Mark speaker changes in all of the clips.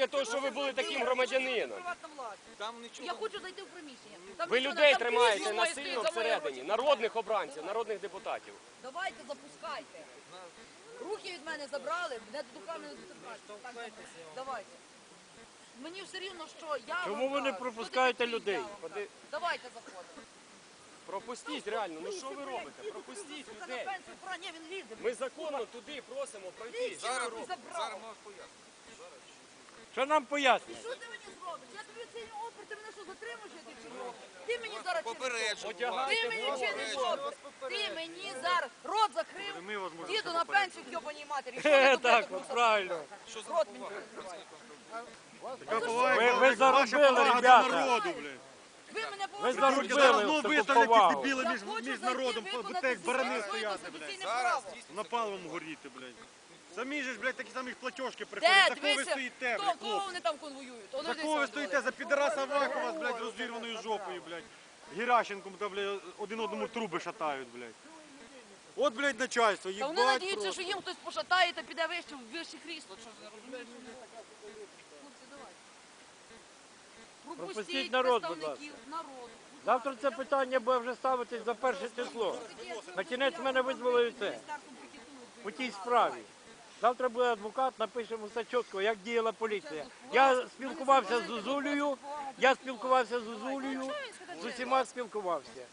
Speaker 1: для того, щоб ви були таким громадянином.
Speaker 2: Я хочу зайти в приміщення.
Speaker 1: Ви людей тримаєте насильно всередині, народних обранців, народних депутатів.
Speaker 2: Давайте, запускайте. Руки від мене забрали, мене до руками не затримають. Давайте. Мені все рівно, що я...
Speaker 3: Чому ви не пропускаєте людей?
Speaker 2: Давайте заходимо.
Speaker 1: Пропустіть реально, ну що ви робите? Пропустіть людей.
Speaker 2: Ні, він лізе.
Speaker 1: Ми законно туди просимо пройти.
Speaker 2: Зараз
Speaker 1: робите?
Speaker 2: можеш
Speaker 4: пояснити.
Speaker 3: Що нам пояснює?
Speaker 2: Що ти мені зробиш? Я тобі цей опір, ти мене що затримуєш, я ти чого? Ти мені зараз
Speaker 1: Одягайте,
Speaker 2: Ти мені чиниш опір. Ти мені зараз рот закрив. Діду на пенсію к йобаній матері. Що ви
Speaker 3: Так,
Speaker 2: тут
Speaker 3: правильно.
Speaker 2: рот мені
Speaker 3: Ви заробили, ребята.
Speaker 2: Ви мене
Speaker 3: Ви
Speaker 2: поважаєте.
Speaker 3: заробили таку повагу.
Speaker 5: дебіли
Speaker 2: Я хочу
Speaker 5: між народом,
Speaker 2: зайти,
Speaker 5: бо
Speaker 2: виконати
Speaker 5: як барани
Speaker 2: своє
Speaker 5: стояти,
Speaker 2: конституційне
Speaker 5: блядь.
Speaker 2: право.
Speaker 5: Напалом горіти, блядь. Самі ж, блядь, такі самі платіжки приходять.
Speaker 2: Де?
Speaker 5: За кого ви
Speaker 2: Дивися,
Speaker 5: стоїте,
Speaker 2: кого
Speaker 5: блядь, хлопці?
Speaker 2: вони там конвоюють? Воно
Speaker 5: За
Speaker 2: десь
Speaker 5: кого ви
Speaker 2: там
Speaker 5: стоїте?
Speaker 2: були.
Speaker 5: За підараса Авакова з, блядь, розірваною жопою, блядь. Геращенком, та, блядь, один одному труби шатають, блядь. От, блядь, начальство,
Speaker 2: Та вони
Speaker 5: їбать
Speaker 2: надіються,
Speaker 5: просто.
Speaker 2: що їм хтось пошатає та піде вище в вище крісло. Що ж ви розумієте? Хлопці, давайте.
Speaker 3: Пропустіть народ, будь ласка.
Speaker 2: представників народу.
Speaker 3: Завтра це питання буде вже ставитись за 1 число. На кінець мене визвали це по тій справі. Завтра буде адвокат, напишемо все чітко, як діяла поліція. Я спілкувався з Зозулею, з усіма спілкувався.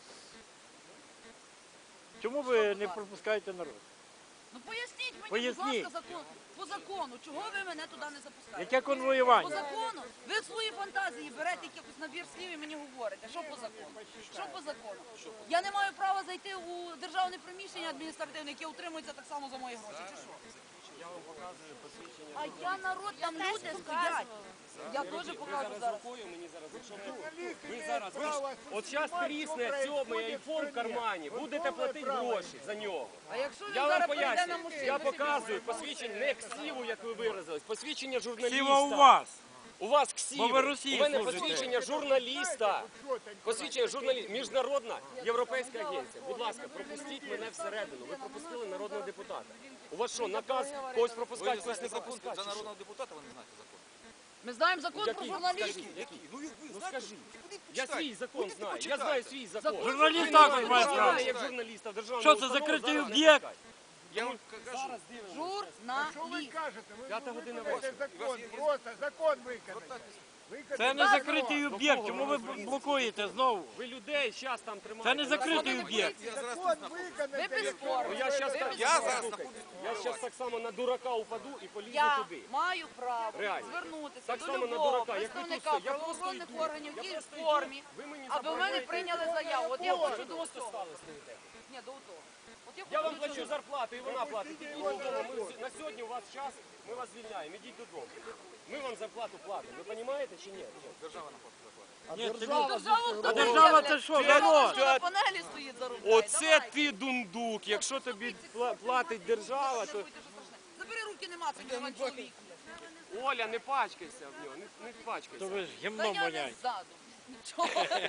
Speaker 3: Чому ви не пропускаєте народ?
Speaker 2: Ну поясніть мені,
Speaker 3: Поясніть.
Speaker 2: будь ласка, по закону, чого ви мене туди не запускаєте?
Speaker 3: Яке
Speaker 2: По
Speaker 3: конвоювання?
Speaker 2: закону? Ви в свої фантазії берете якийсь набір слів і мені говорите. Що по закону? Що по закону? Я не маю права зайти у державне приміщення адміністративне, яке утримується так само за мої гроші, чи що?
Speaker 1: Я вам показую посвідчення.
Speaker 2: А я народ, там люди стоять. Я теж покажу зараз.
Speaker 1: Рукою мені зараз, якщо ви зараз, от зараз трісне сьомий айфон в кармані, будете платити гроші за нього.
Speaker 2: А якщо він
Speaker 1: Я вам
Speaker 2: зараз прийде на
Speaker 1: пояснюю,
Speaker 2: машину?
Speaker 1: я показую посвідчення, не ксіву, як ви виразились, посвідчення журналіста.
Speaker 3: Сіва у вас.
Speaker 1: У вас ксіви.
Speaker 3: Бо ви Росії
Speaker 1: У мене
Speaker 3: служите.
Speaker 1: посвідчення журналіста. Посвідчення журналіста. Міжнародна європейська агенція. Будь ласка, пропустіть мене всередину. Ви пропустили народного депутата. У вас що, наказ когось пропускати, когось не пропускати?
Speaker 4: За
Speaker 1: чи що?
Speaker 4: народного депутата ви не знаєте закон.
Speaker 2: Ми знаємо закон про
Speaker 1: Який?
Speaker 2: журналістів.
Speaker 4: Який? Ну ви
Speaker 1: Ну
Speaker 4: знаєте?
Speaker 1: скажи.
Speaker 4: Ходіть,
Speaker 1: Я
Speaker 4: почитайте.
Speaker 1: свій закон
Speaker 4: Ходіть,
Speaker 1: знаю. Я
Speaker 4: почитайте.
Speaker 1: знаю свій закон.
Speaker 2: Закон
Speaker 3: Журналіст
Speaker 1: Ви
Speaker 3: також
Speaker 1: не
Speaker 3: має
Speaker 1: знаєте,
Speaker 3: право.
Speaker 1: як журналіста в державному
Speaker 3: Що це,
Speaker 1: установу
Speaker 3: закритий
Speaker 1: зараз не
Speaker 3: об'єкт?
Speaker 1: пускають.
Speaker 4: Я вам кажу.
Speaker 1: Зараз дивимося.
Speaker 2: Журналіст.
Speaker 1: П'ята година
Speaker 6: Це
Speaker 1: вечора.
Speaker 6: закон, просто закон виконати.
Speaker 3: Це не закритий об'єкт. Чому ви блокуєте знову?
Speaker 1: Ви людей зараз там тримаєте.
Speaker 3: Це не закритий об'єкт.
Speaker 4: Я зараз
Speaker 6: Закон
Speaker 4: тут
Speaker 6: виконати.
Speaker 2: Ви безспорно.
Speaker 1: Ну, я зараз так,
Speaker 4: Я зараз
Speaker 1: слухайте,
Speaker 4: знаходжусь
Speaker 1: я зараз так само на дурака упаду і полізу
Speaker 2: Я
Speaker 1: туди.
Speaker 2: маю право
Speaker 1: Реально.
Speaker 2: звернутися
Speaker 1: Так
Speaker 2: до
Speaker 1: само на
Speaker 2: любого
Speaker 1: дурака. Як ви тут
Speaker 2: представника
Speaker 1: стоїте, я просто
Speaker 2: правоохоронних
Speaker 1: йду.
Speaker 2: органів,
Speaker 1: Я
Speaker 2: які в
Speaker 1: просто йду.
Speaker 2: формі,
Speaker 1: Ви мені
Speaker 2: аби в мене
Speaker 1: забороняєте.
Speaker 2: прийняли заяву. От я
Speaker 1: О,
Speaker 2: хочу
Speaker 1: ви
Speaker 2: до
Speaker 1: просто
Speaker 2: того.
Speaker 1: стали стоїте.
Speaker 2: Ні, до того. От я
Speaker 1: Я вам
Speaker 2: хочу
Speaker 1: плачу
Speaker 2: до цього.
Speaker 1: зарплату, і вона платить. Ідіть додому. На сьогодні у вас час, ми вас звільняємо. Ідіть додому. Ми вам зарплату платимо. Ви розумієте чи ні?
Speaker 4: держава на плату зарплату.
Speaker 3: Ні, це
Speaker 2: Державу хто
Speaker 3: А держава
Speaker 2: буде,
Speaker 3: це
Speaker 2: блядь?
Speaker 3: що,
Speaker 2: Держава
Speaker 3: народ?
Speaker 2: на панелі стоїть за рубль.
Speaker 1: Оце ти дундук. Якщо тобі платить держава, то...
Speaker 2: Забери руки, нема, це нема чоловік.
Speaker 1: Оля, не пачкайся в нього, не пачкайся.
Speaker 3: То ви ж
Speaker 2: Та
Speaker 3: гімном
Speaker 2: я не
Speaker 3: воняєте.
Speaker 2: ззаду. Нічого.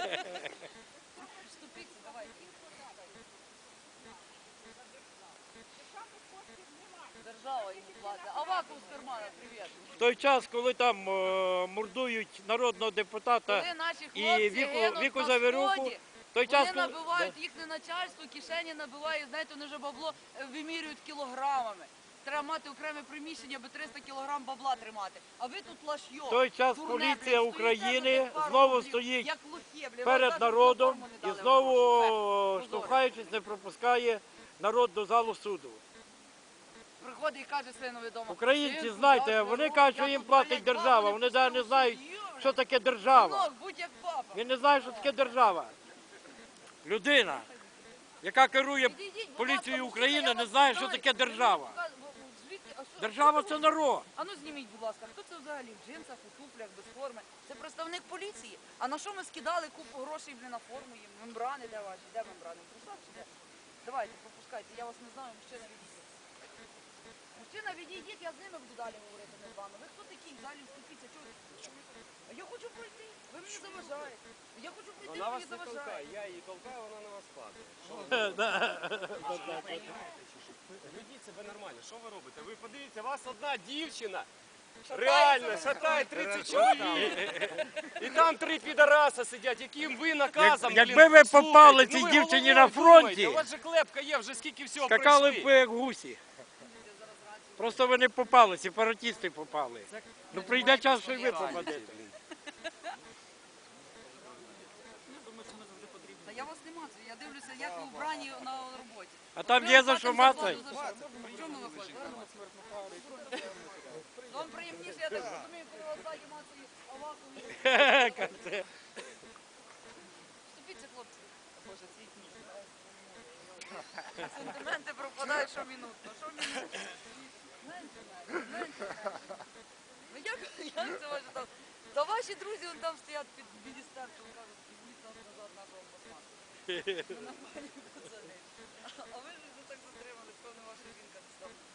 Speaker 2: Вступіться, давайте. Держава їм платить. Аваков з кармана, привіт.
Speaker 3: В той час, коли там мордують народного депутата
Speaker 2: Коли наші
Speaker 3: і
Speaker 2: хлопці
Speaker 3: Віку
Speaker 2: гинуть на
Speaker 3: Завіруку,
Speaker 2: сході,
Speaker 3: в той час,
Speaker 2: вони
Speaker 3: коли...
Speaker 2: набивають їхнє начальство, кишені набивають, знаєте, вони вже бабло вимірюють кілограмами. Треба мати окреме приміщення, аби 300 кілограм бабла тримати. А ви тут лашйо.
Speaker 3: В той час
Speaker 2: дурне,
Speaker 3: поліція
Speaker 2: блядь, стоїте
Speaker 3: України
Speaker 2: за тих пару
Speaker 3: знову
Speaker 2: рублів,
Speaker 3: стоїть
Speaker 2: як лохи, блядь. Вам
Speaker 3: перед
Speaker 2: навіть
Speaker 3: народом
Speaker 2: форму не
Speaker 3: і
Speaker 2: дали
Speaker 3: знову,
Speaker 2: гроші.
Speaker 3: штовхаючись, не пропускає народ до залу суду.
Speaker 2: Приходить і каже синові вдома.
Speaker 3: Українці,
Speaker 2: «Синку,
Speaker 3: знаєте,
Speaker 2: я
Speaker 3: вони
Speaker 2: беру,
Speaker 3: кажуть,
Speaker 2: я
Speaker 3: що їм
Speaker 2: тут,
Speaker 3: платить
Speaker 2: блядь,
Speaker 3: держава.
Speaker 2: бабу
Speaker 3: Вони
Speaker 2: не
Speaker 3: навіть не
Speaker 2: пустив,
Speaker 3: знають,
Speaker 2: сім'ю,
Speaker 3: що таке держава.
Speaker 2: Синок, будь як папа.
Speaker 3: Він не знає, що таке держава. Людина, яка керує
Speaker 2: Підійдіть, будь
Speaker 3: поліцією
Speaker 2: ласка,
Speaker 3: України,
Speaker 2: я
Speaker 3: не
Speaker 2: вас
Speaker 3: знає, що
Speaker 2: питаю.
Speaker 3: таке держава.
Speaker 2: Звідки? А що-
Speaker 3: Держава – це народ.
Speaker 2: А ну зніміть, будь ласка, хто це взагалі в джинсах, у туфлях, без форми? Це представник поліції. А на що ми скидали купу грошей на форму їм? Мембрани де ваші? Де мембрани? В трусах чи де? Давайте, пропускайте, я вас не знаю, мужчина відійдіть. Мужчина відійдіть, я з ними буду далі говорити, не з вами. Ви хто такі? Далі вступіться, чого? А я хочу пройти, ви мені заважаєте. Я хочу пройти,
Speaker 1: Вона
Speaker 2: ви
Speaker 1: вас
Speaker 2: мені
Speaker 1: не толкає,
Speaker 2: заважаєте.
Speaker 1: я її толкаю, вона на вас падає. Що ви Ведіть себе нормально, що ви робите? Ви подивіться, вас одна дівчина Реально, шатає 30 чоловік. І там 3 підараса сидять, яким ви наказом,
Speaker 3: Якби ви попали
Speaker 1: слухайте,
Speaker 3: цій
Speaker 1: ви
Speaker 3: дівчині
Speaker 1: головою
Speaker 3: на фронті,
Speaker 1: думайте. У вас же клепка є, вже скільки всього
Speaker 3: скакали б
Speaker 1: пройшли.
Speaker 3: ви як гусі. Просто ви не попали, сепаратисти попали. Ну прийде час, що і ви попадете.
Speaker 2: Та я вас не мацаю, я дивлюся, як ви вбрані на роботі.
Speaker 3: А там є за що мацати.
Speaker 2: В чому ви ходите? Ну, вам приємніше, я так розумію, коли вас ззаді мацають, а вас вступіться, хлопці. Боже, цвітні. Сентименти пропадають щомінутно. Щомінутно. Менше. Ну як це може там? Та ваші друзі вон там стоять під міністерством, кажуть, візьміть нас назад нашого омбудсмана. Ми нормальні пацани. А ви ж так затримали, певно, ваша жінка не стала.